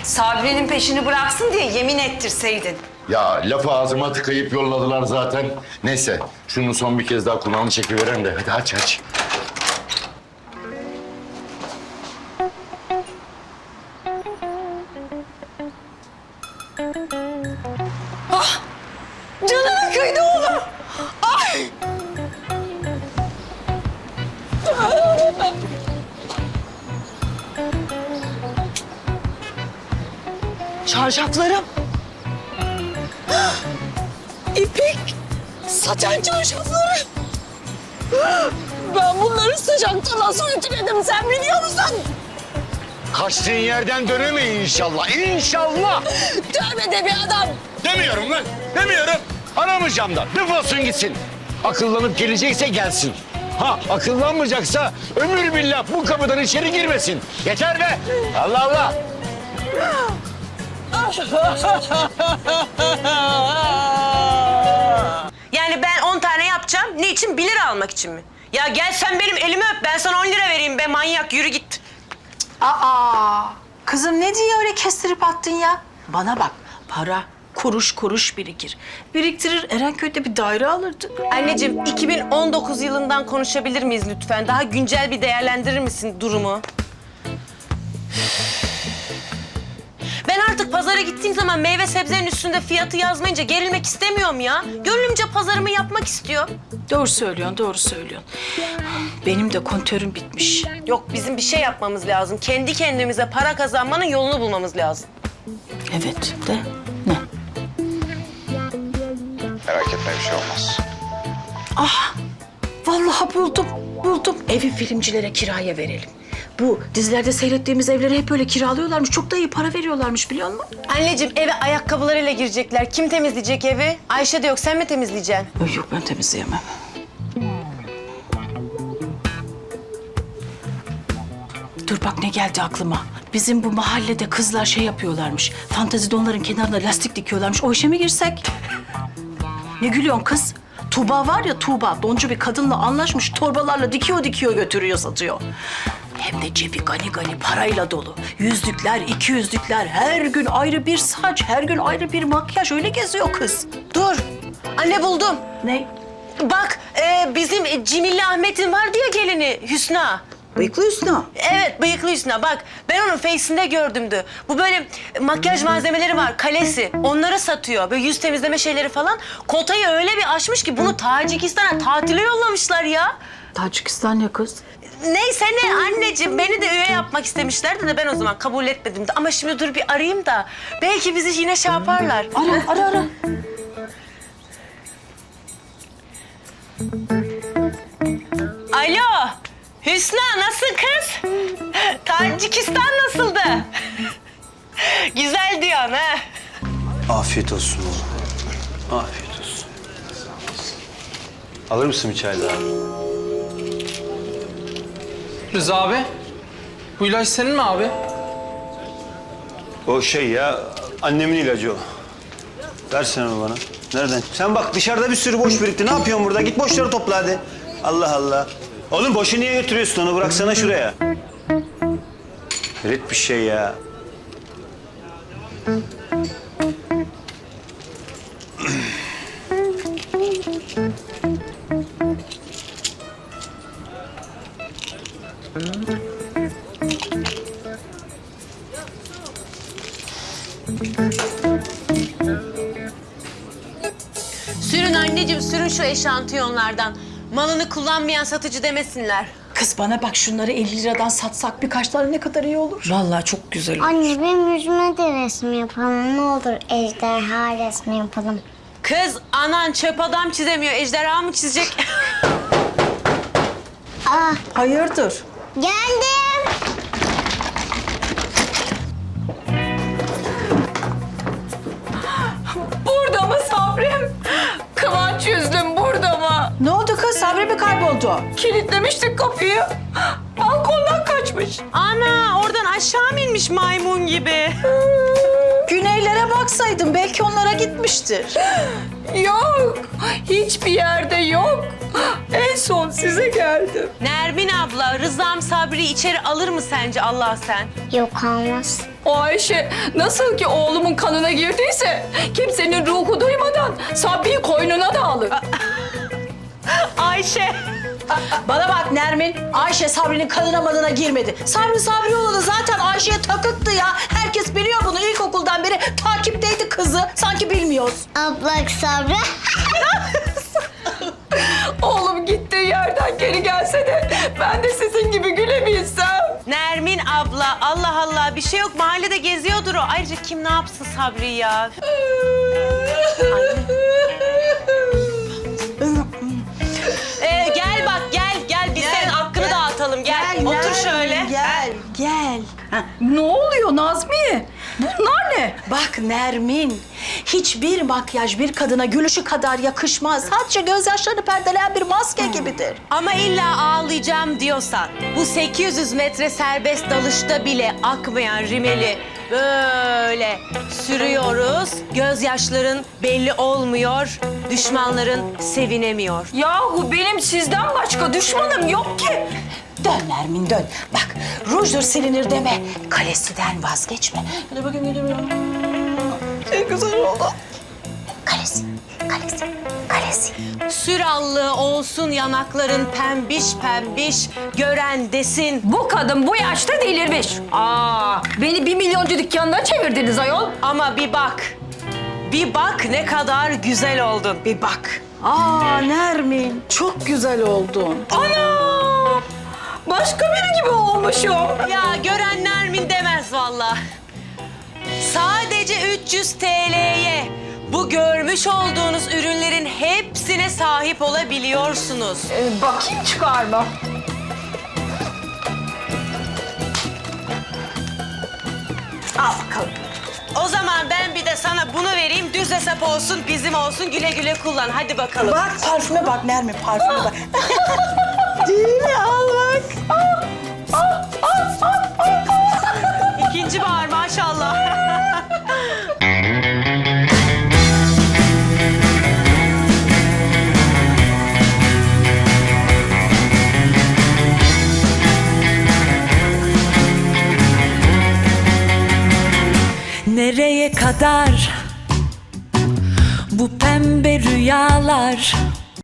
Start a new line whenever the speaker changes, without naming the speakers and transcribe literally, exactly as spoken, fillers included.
Sabri'nin peşini bıraksın diye yemin ettirseydin.
Ya lafı ağzıma tıkayıp yolladılar zaten. Neyse şunu son bir kez daha kulağını çekiveren de hadi aç aç.
Canını kıydı oğlum. Ay! Çarşaflarım. İpek. Saten çarşaflarım. Ben bunları sıcakta nasıl ütüledim sen biliyor musun?
Kaçtığın yerden dönemeyin inşallah. İnşallah.
Tövbe de bir adam.
Demiyorum lan. Demiyorum. Aramayacağım da. Defolsun gitsin. Akıllanıp gelecekse gelsin. Ha akıllanmayacaksa ömür billah bu kapıdan içeri girmesin. Yeter be. Allah Allah.
Yani ben on tane yapacağım. Ne için? Bir lira almak için mi? Ya gel sen benim elimi öp. Ben sana on lira vereyim be manyak. Yürü git.
Aa, kızım ne diye öyle kestirip attın ya? Bana bak, para kuruş kuruş birikir. Biriktirir, Erenköy'de bir daire alırdık.
Anneciğim iki bin on dokuz yılından konuşabilir miyiz lütfen? Daha güncel bir değerlendirir misin durumu? Ben artık pazara gittiğim zaman meyve sebzenin üstünde fiyatı yazmayınca gerilmek istemiyorum ya. Gönlümce pazarımı yapmak istiyor.
Doğru söylüyorsun, doğru söylüyorsun. Benim de kontörüm bitmiş.
Yok bizim bir şey yapmamız lazım. Kendi kendimize para kazanmanın yolunu bulmamız lazım.
Evet de ne?
Merak etme bir şey olmaz.
Ah, vallahi buldum, buldum. Evi filmcilere kiraya verelim. Bu dizilerde seyrettiğimiz evleri hep böyle kiralıyorlarmış. Çok da iyi para veriyorlarmış biliyor musun?
Anneciğim eve ayakkabılarıyla girecekler. Kim temizleyecek evi? Ayşe de yok. Sen mi temizleyeceksin?
Ay yok ben temizleyemem. Dur bak ne geldi aklıma. Bizim bu mahallede kızlar şey yapıyorlarmış. Fantezi donların kenarına lastik dikiyorlarmış. O işe mi girsek? Ne gülüyorsun kız? Tuğba var ya Tuğba, doncu bir kadınla anlaşmış. Torbalarla dikiyor dikiyor götürüyor satıyor. Hem de cebi gani gani parayla dolu. Yüzlükler, iki yüzlükler, her gün ayrı bir saç, her gün ayrı bir makyaj. Öyle geziyor kız.
Dur. Anne buldum.
Ne?
Bak e, bizim Cimilli Ahmet'in var diye gelini Hüsna.
Bıyıklı Hüsnü.
Evet bıyıklı Hüsna bak ben onun face'inde gördümdü. Bu böyle makyaj malzemeleri var kalesi onları satıyor. Böyle yüz temizleme şeyleri falan. Kotayı öyle bir aşmış ki bunu Tacikistan'a tatile yollamışlar ya.
Tacikistan ya kız?
Neyse ne anneciğim beni de üye yapmak istemişlerdi de ben o zaman kabul etmedim de. Ama şimdi dur bir arayayım da belki bizi yine şey yaparlar.
Ara, ara, ara.
Alo Hüsna nasıl kız? Tacikistan nasıldı? Güzel diyorsun ha.
Afiyet olsun oğlum. Afiyet olsun. Alır mısın bir çay daha?
Rıza abi, bu ilaç senin mi abi?
O şey ya, annemin ilacı o. Versene onu bana. Nereden? Sen bak dışarıda bir sürü boş birikti. Ne yapıyorsun burada? Git boşları topla hadi. Allah Allah. Oğlum boşu niye götürüyorsun onu? Bıraksana şuraya. Hayret bir şey ya.
Sürün anneciğim, sürün şu eşantiyonlardan. Malını kullanmayan satıcı demesinler.
Kız bana bak şunları elli liradan satsak birkaç tane ne kadar iyi olur. Vallahi çok güzel olur.
Anne benim yüzüme de resim yapalım. Ne olur ejderha resmi yapalım.
Kız, anan çöp adam çizemiyor. Ejderha mı çizecek?
Aa,
Hayırdır?
geldim.
Burada mı Sabri'm? Kıvanç yüzlüm burada mı?
Ne oldu kız? Sabri mi kayboldu?
Kilitlemiştik kapıyı. Balkondan kaçmış.
Ana, oradan aşağı mı inmiş maymun gibi?
Güneylere baksaydın belki onlara gitmiştir.
Yok. Hiçbir yerde yok. En son size geldim.
Nermin abla, Rızam Sabri'yi içeri alır mı sence Allah sen?
Yok almaz.
O Ayşe nasıl ki oğlumun kanına girdiyse kimsenin ruhu duymadan Sabri'yi koynuna da alır.
Ayşe.
Bana bak Nermin, Ayşe Sabri'nin kanına manına girmedi. Sabri Sabrioğlu zaten Ayşe'ye takıktı ya. Herkes biliyor bunu. İlkokuldan beri takipteydi kızı. Sanki bilmiyoruz.
Ablak Sabri.
Oğlum gittiği yerden geri gelse de ben de sizin gibi gülebilsem.
Nermin abla, Allah Allah bir şey yok. Mahallede geziyordur o. Ayrıca kim ne yapsın Sabri ya? Ee, gel bak gel gel biz senin hakkını dağıtalım gel. Otur
Nermin,
şöyle.
Gel, gel. Ha,
Ne oluyor Nazmiye? Bunlar ne?
bak Nermin, hiçbir makyaj bir kadına gülüşü kadar yakışmaz. Sadece gözyaşlarını perdeleyen bir maske gibidir.
Ama illa ağlayacağım diyorsan bu sekiz yüz metre serbest dalışta bile akmayan rimeli böyle sürüyoruz. Gözyaşların belli olmuyor, düşmanların sevinemiyor.
Yahu benim sizden başka düşmanım yok ki.
Dön Nermin dön. Bak rujdur silinir deme. Kalesiden vazgeçme. Hadi bakayım gidiyorum. En güzel oldu. Kalesi, kalesi, kalesi.
Sürallı olsun yanakların pembiş pembiş, gören desin.
Bu kadın bu yaşta delirmiş. Aa, beni bir milyoncu dükkanına çevirdiniz ayol.
Ama bir bak, bir bak ne kadar güzel oldun. Bir bak.
Aa Nermin, çok güzel oldun.
Ana! Başka biri gibi olmuşum.
Ya gören Nermin demez vallahi. Sadece üç yüz T L'ye bu görmüş olduğunuz ürünlerin hepsine sahip olabiliyorsunuz.
Ee, bakayım çıkarma.
Al bakalım. O zaman ben bir de sana bunu vereyim. Düz hesap olsun, bizim olsun. Güle güle kullan. Hadi bakalım.
Bak parfüme bak Nermin, parfüme bak. Değil mi? Al bak.
İkinci bahar maşallah.
Nereye kadar bu pembe rüyalar?